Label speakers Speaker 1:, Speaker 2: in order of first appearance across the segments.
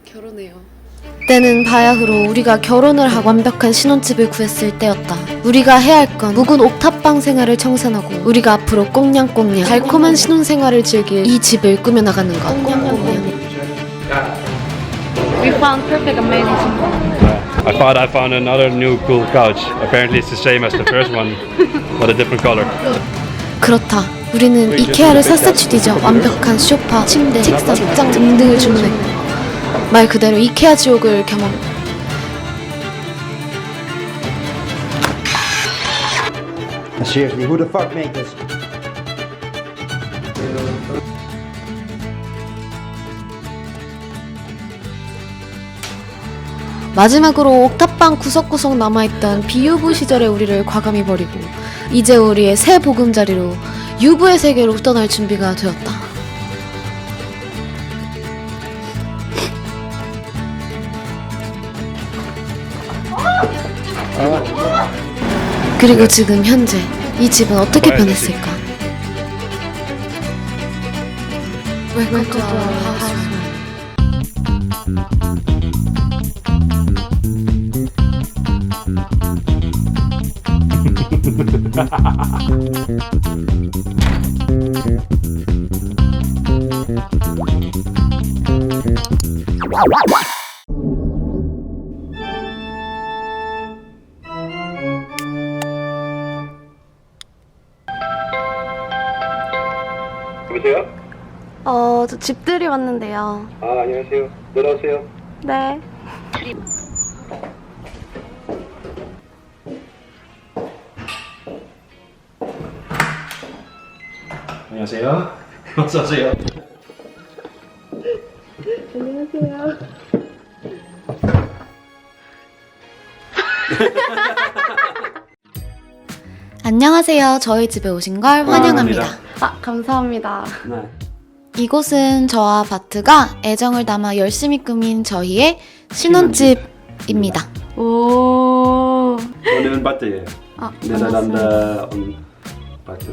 Speaker 1: 결혼해요. 때는 바야흐로 우리가 결혼을 하고 완벽한 신혼집을 구했을 때였다. 우리가 해야 할 건 묵은 옥탑방 생활을 청산하고 우리가 앞으로 꽁냥꽁냥 달콤한 신혼생활을 즐길 이 집을 꾸며나가는 것.
Speaker 2: We found perfect amazing.
Speaker 3: I thought I found another new cool couch. Apparently it's the same as the first one, but a different color.
Speaker 1: 그렇다. 우리는 이케아를 샅샅이 뒤져 완벽한 소파, 침대, 책상, 책장 등등을 주문했고 말 그대로 이케아 지옥을 경험.
Speaker 4: Seriously, who the fuck made this?
Speaker 1: 마지막으로 옥탑방 구석구석 남아있던 비유부 시절의 우리를 과감히 버리고 이제 우리의 새 보금자리로 유부의 세계로 떠날 준비가 되었다. 그리고 지금 현재 이 집은 어떻게 변했을까? Welcome to our house.
Speaker 3: 여보세요?
Speaker 2: 저 집들이 왔는데요.
Speaker 3: 아, 안녕하세요. 들어오세요.
Speaker 2: 네.
Speaker 3: 안녕하세요. 어서 오세요.
Speaker 2: 안녕하세요.
Speaker 1: 안녕하세요. 저희 집에 오신 걸 환영합니다.
Speaker 2: 감사합니다.
Speaker 3: 네.
Speaker 1: 이곳은 저와 바트가 애정을 담아 열심히 꾸민 저희의 신혼집입니다.
Speaker 2: 오.
Speaker 3: 저는 바트예요. 네덜란드
Speaker 2: 반갑습니다.
Speaker 3: 온 바트.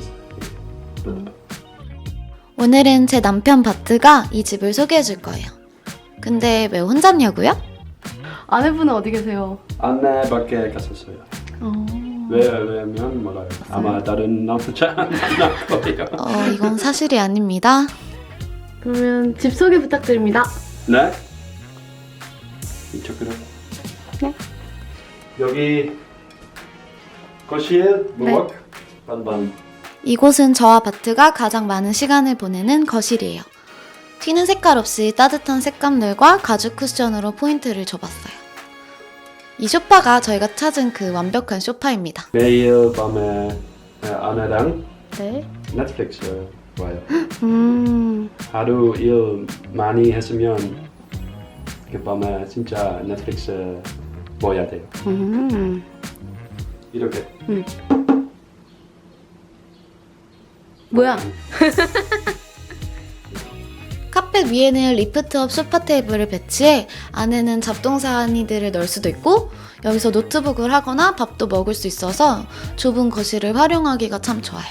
Speaker 1: 오늘은 제 남편 바트가 이 집을 소개해 줄 거예요. 근데 왜 혼자냐고요?
Speaker 2: 아내분은 어디 계세요?
Speaker 3: 안내밖에 갔었어요. 왜냐면 몰라요. 아마 다른 남자 만날 거예요.
Speaker 1: 이건 사실이 아닙니다.
Speaker 2: 그러면 집 소개 부탁드립니다.
Speaker 3: 네? 이쪽으로.
Speaker 2: 네.
Speaker 3: 여기 거실, 부엌,
Speaker 2: 네.
Speaker 3: 반반.
Speaker 1: 이곳은 저와 바트가 가장 많은 시간을 보내는 거실이에요. 튀는 색깔 없이 따뜻한 색감들과 가죽 쿠션으로 포인트를 줘봤어요. 이 소파가 저희가 찾은 그 완벽한 소파입니다.
Speaker 3: 매일 밤에 아내랑
Speaker 2: 네.
Speaker 3: 넷플릭스 봐요. 하루 일 많이 했으면 그 밤에 진짜 넷플릭스 봐야 돼요. 이렇게.
Speaker 2: 뭐야?
Speaker 1: 카펫 위에는 리프트업 소파 테이블을 배치해 안에는 잡동사니들을 넣을 수도 있고 여기서 노트북을 하거나 밥도 먹을 수 있어서 좁은 거실을 활용하기가 참 좋아요.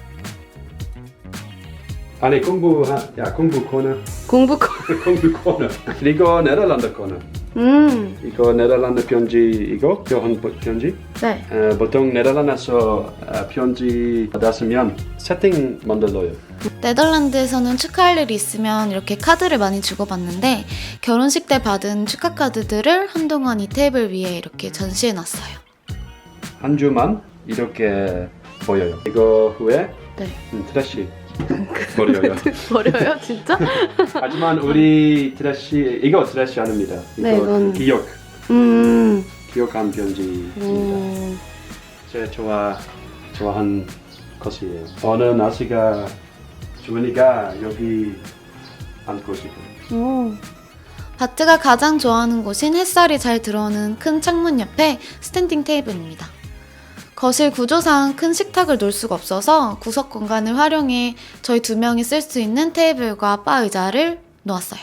Speaker 3: 아니 공부 코너.
Speaker 2: 공부
Speaker 3: 공부 코너. 이거 네덜란드 코너. 이거 네덜란드 편지 이거 교환 편지.
Speaker 2: 네.
Speaker 3: 보통 네덜란드에서 편지 받았으면 세팅 만들어요.
Speaker 1: 네덜란드에서는 축하할 일이 있으면 이렇게 카드를 많이 주고받는데 결혼식 때 받은 축하 카드들을 한동안 이 테이블 위에 이렇게 전시해놨어요.
Speaker 3: 한 주만 이렇게 보여요. 이거 후에
Speaker 2: 네.
Speaker 3: 트래시 버려요.
Speaker 2: 버려요? 진짜?
Speaker 3: 하지만 우리 트래시 이거 트래시 아닙니다. 이거
Speaker 2: 네, 이건-
Speaker 3: 기억한 편지입니다. 제 좋아한 것이에요. 어느 날씨가 좋으니까 여기 앉고 싶어요.
Speaker 1: 바트가 가장 좋아하는 곳인 햇살이 잘 들어오는 큰 창문 옆에 스탠딩 테이블입니다. 거실 구조상 큰 식탁을 놓을 수가 없어서 구석 공간을 활용해 저희 두 명이 쓸 수 있는 테이블과 바 의자를 놓았어요.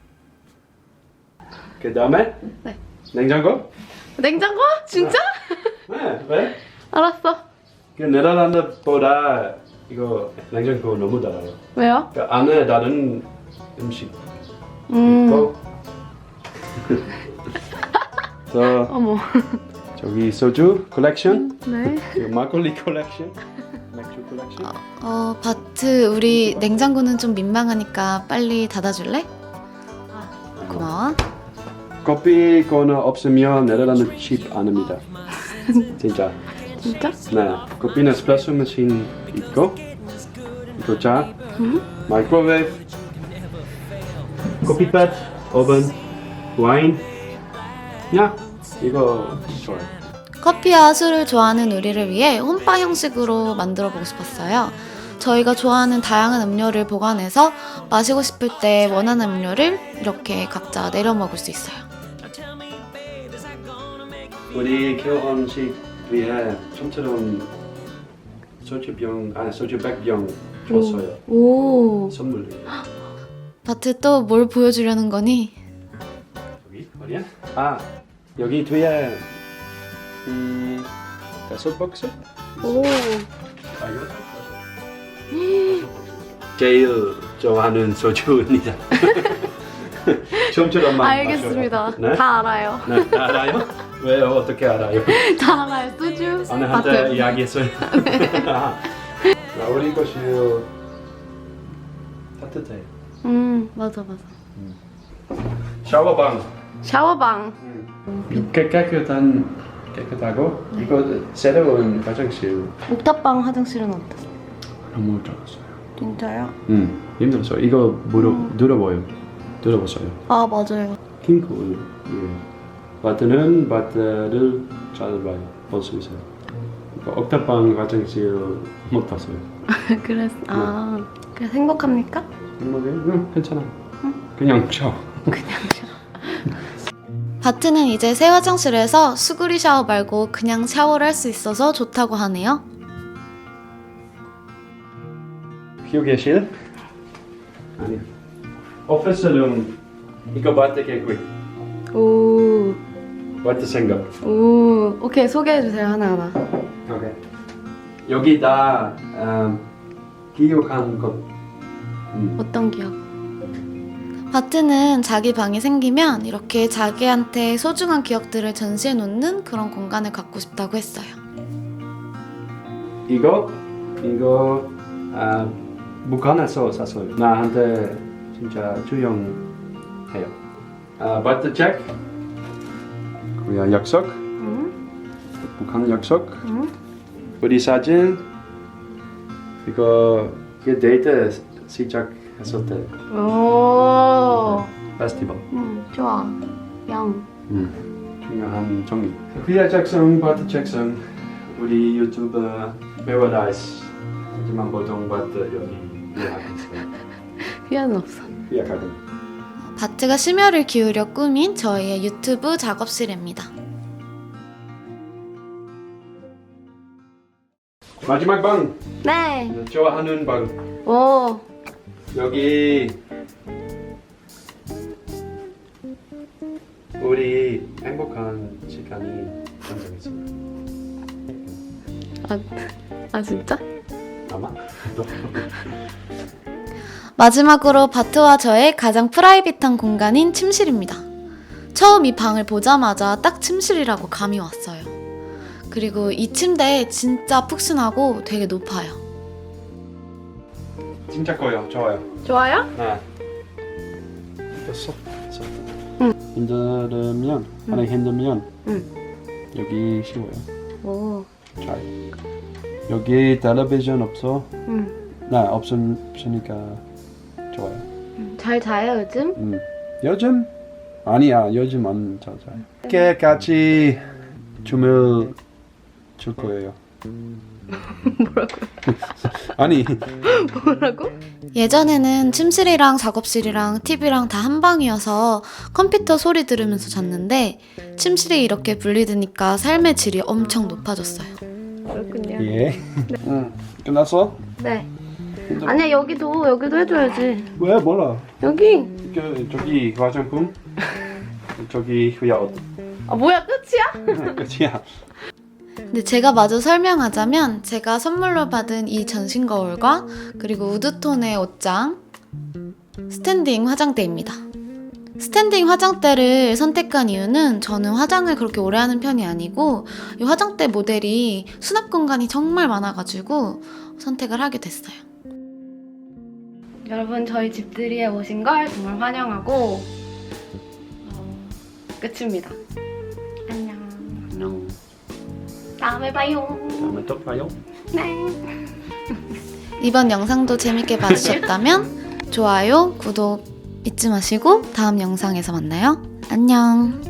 Speaker 3: 그 다음에
Speaker 2: 네.
Speaker 3: 냉장고?
Speaker 2: 냉장고? 진짜?
Speaker 3: 네, 왜?
Speaker 2: 알았어.
Speaker 3: 그 네덜란드보다 이거 냉장고 너무 달아요.
Speaker 2: 왜요?
Speaker 3: 그 안에 다른 음식
Speaker 2: 음.
Speaker 3: 있고 저
Speaker 2: 어머.
Speaker 3: 저기 소주 컬렉션,
Speaker 2: 네.
Speaker 3: 그리고 막걸리 컬렉션, 맥주 컬렉션.
Speaker 1: 바트, 우리 냉장고는 좀 민망하니까 빨리 닫아줄래? 고마워.
Speaker 3: 커피 코너 없으면 네덜란드 칩 안 합니다. 진짜.
Speaker 2: 진짜?
Speaker 3: 네. 커피는 에스프레소 머신 있고, 이거 차, 마이크로웨이브, 커피팻, 오븐, 와인. 야, 이거 좋아요.
Speaker 1: 커피와 술을 좋아하는 우리를 위해 홈바 형식으로 만들어 보고 싶었어요. 저희가 좋아하는 다양한 음료를 보관해서 마시고 싶을 때 원하는 음료를 이렇게 각자 내려 먹을 수 있어요.
Speaker 3: 우리 결혼식 위에 좀처럼 소주병, 아니 소주 100병 줬어요.
Speaker 2: 오.
Speaker 3: 선물로.
Speaker 1: 바트 또 뭘 보여주려는 거니?
Speaker 3: 여기 어디야? 아 여기 뒤에 이 다섯 박스?
Speaker 2: 오.
Speaker 3: 아 이거 제일 좋아하는 소주입니다. 좀처럼 만
Speaker 2: 알겠습니다.
Speaker 3: 네?
Speaker 2: 다 알아요.
Speaker 3: 네, 알아요? 왜요? 어떻게 알아요?
Speaker 2: 다 알아요. 소주.
Speaker 3: 아내한테
Speaker 2: 바트.
Speaker 3: 이야기했어요. 나 우리 것이 따뜻해.
Speaker 2: 맞아.
Speaker 3: 샤워방.
Speaker 2: 샤워방.
Speaker 3: 깨끗하고 이거 새로운 화장실
Speaker 2: 옥탑방 화장실은 어땠어?
Speaker 3: 너무 좋았어요.
Speaker 2: 진짜요?
Speaker 3: 힘들었어요. 이거 들어보세요.
Speaker 2: 아, 맞아요.
Speaker 3: 킹쿨. 예. 바트는 바트를 잘 봐요. 볼 수 있어요. 옥탑방 화장실 못 봤어요.
Speaker 2: 그래서 그래서 행복합니까?
Speaker 3: 괜찮아. 그냥 쳐.
Speaker 1: 바트는 이제 새 화장실에서 수구리 샤워 말고 그냥 샤워를 할 수 있어서 좋다고 하네요.
Speaker 3: 휴게실? 아니요. 오피스룸. 이거 바트 계획.
Speaker 2: 오.
Speaker 3: 바트 생각.
Speaker 2: 오. 오케이, 소개해주세요, 하나하나.
Speaker 3: 오케이. 여기 다 기억한 것.
Speaker 2: 어떤 기억?
Speaker 1: 바트는 자기 방이 생기면 이렇게 자기한테 소중한 기억들을 전시해 놓는 그런 공간을 갖고 싶다고 했어요.
Speaker 3: 이거 북한에서 샀어요. 나한테 진짜 주용해요. 바트 책. 그냥 약속. 북한 약속. 우리 사진. 이거 데이트 시작했을 때.
Speaker 2: 오.
Speaker 3: 페스티벌.
Speaker 2: 좋아. 영.
Speaker 3: 중요한 종이. 소피아 잭슨, 바트 잭슨. 우리 유튜브 페어다이스. 하지만 보통 바트 여기 예약했어요.
Speaker 2: 휘하는 없어.
Speaker 3: 예약하고.
Speaker 1: 바트가 심혈을 기울여 꾸민 저희의 유튜브 작업실입니다.
Speaker 3: 마지막 방.
Speaker 2: 네.
Speaker 3: 좋아하는 방.
Speaker 2: 오.
Speaker 3: 여기 우리 행복한 시간이 완성했어요.
Speaker 2: 아 진짜?
Speaker 3: 아마?
Speaker 1: 마지막으로 바트와 저의 가장 프라이빗한 공간인 침실입니다. 처음 이 방을 보자마자 딱 침실이라고 감이 왔어요. 그리고 이 침대 진짜 푹신하고 되게 높아요.
Speaker 3: 진짜 커요. 좋아요.
Speaker 2: 좋아요?
Speaker 3: 네. 됐어. 힘들면 여기 쉬워요.
Speaker 2: 오.
Speaker 3: 잘. 여기 텔레비전 없어? 네, 없으니까 좋아요.
Speaker 2: 잘 자요 요즘?
Speaker 3: 요즘? 아니야, 요즘 안 잘 자요. 이렇게 같이 춤을 출 거예요.
Speaker 2: 뭐라고요?
Speaker 3: 아니,
Speaker 2: 뭐라고?
Speaker 1: 예전에는 침실이랑 작업실이랑 TV랑 다 한 방이어서 컴퓨터 소리 들으면서 잤는데 침실이 이렇게 분리되니까 삶의 질이 엄청 높아졌어요.
Speaker 2: 그렇군요.
Speaker 3: 예. 끝났어?
Speaker 2: 네. 아니야 여기도 해줘야지.
Speaker 3: 왜 몰라?
Speaker 2: 여기.
Speaker 3: 저기 화장품, 저기 옷.
Speaker 2: 아 뭐야 끝이야?
Speaker 3: 끝이야.
Speaker 1: 근데 제가 마저 설명하자면 제가 선물로 받은 이 전신 거울과 그리고 우드톤의 옷장, 스탠딩 화장대입니다. 스탠딩 화장대를 선택한 이유는 저는 화장을 그렇게 오래 하는 편이 아니고 이 화장대 모델이 수납 공간이 정말 많아가지고 선택을 하게 됐어요.
Speaker 2: 여러분 저희 집들이에 오신 걸 정말 환영하고 끝입니다. 안녕.
Speaker 3: 안녕.
Speaker 2: 다음에 봐요.
Speaker 3: 다음에 또 봐요.
Speaker 2: 네.
Speaker 1: 이번 영상도 재밌게 봐주셨다면 좋아요, 구독 잊지 마시고 다음 영상에서 만나요. 안녕.